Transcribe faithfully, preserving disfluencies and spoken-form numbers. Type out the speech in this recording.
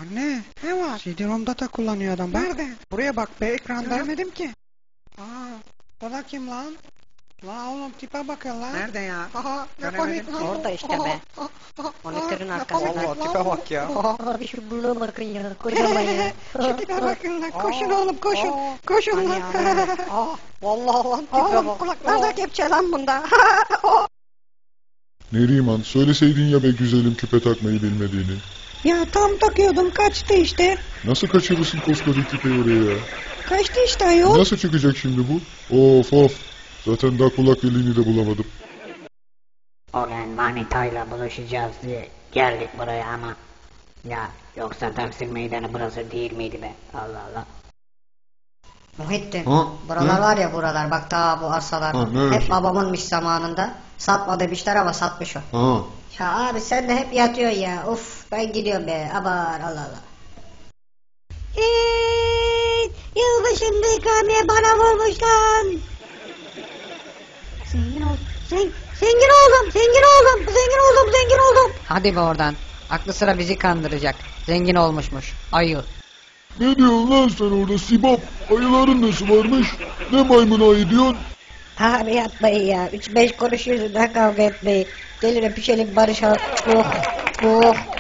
Anne ne var? C D-ROM'da da kullanıyor adam bak. Nerede? Buraya bak be ekranda. Göremedim ki. Aa, o da kim lan? La oğlum tipe bakın lan. Nerede ya? Aha, ne komik lan. Orada işte be. Monitörün arkasında. Vallahi tipe bak ya. Abi şu buluğa bakın ya. Kocaman ya. Şu tipe bakın lan. Koşun oğlum koşun. Koşun lan. Aa, vallahi lan tipe Oğlum bak. kulaklarda kepçe lan bunda. Neriman, söyleseydin ya be güzelim küpe takmayı bilmediğini. Ya tam takıyordum kaçtı işte. Nasıl kaçırırsın koskoca küpeyi oraya ya? Kaçtı işte ayol. Nasıl çıkacak şimdi bu? Of of. Zaten daha kulak deliğini de bulamadım. O gün manitayla buluşacağız diye geldik buraya ama. Ya yoksa Taksim Meydanı burası değil miydi be? Allah Allah. Muhittin, Ha? buralar Ne? var ya buralar, bak ta bu arsalar Ha, neresi? hep babamınmış zamanında. Satma demişler ama satmış o. Ha. Ya abi sen de hep yatıyorsun ya, uf ben gidiyorum be, abar Allah Allah. Eee, yılbaşında ikramiye bana vurmuş lan. Zengin oldum, zengin, zengin oldum, zengin oldum, zengin oldum, zengin oldum. Hadi be oradan. Aklı sıra bizi kandıracak. Zengin olmuşmuş. Ayı. Ne diyorsun lan sen orada Sibop? Ayıların nasıl varmış? Ne maymun ayı diyorsun? Abi yapmayın ya, üç beş kuruş yüzünden kavga etmeyin. Gelin öpüşelim barışalım. Oh, oh.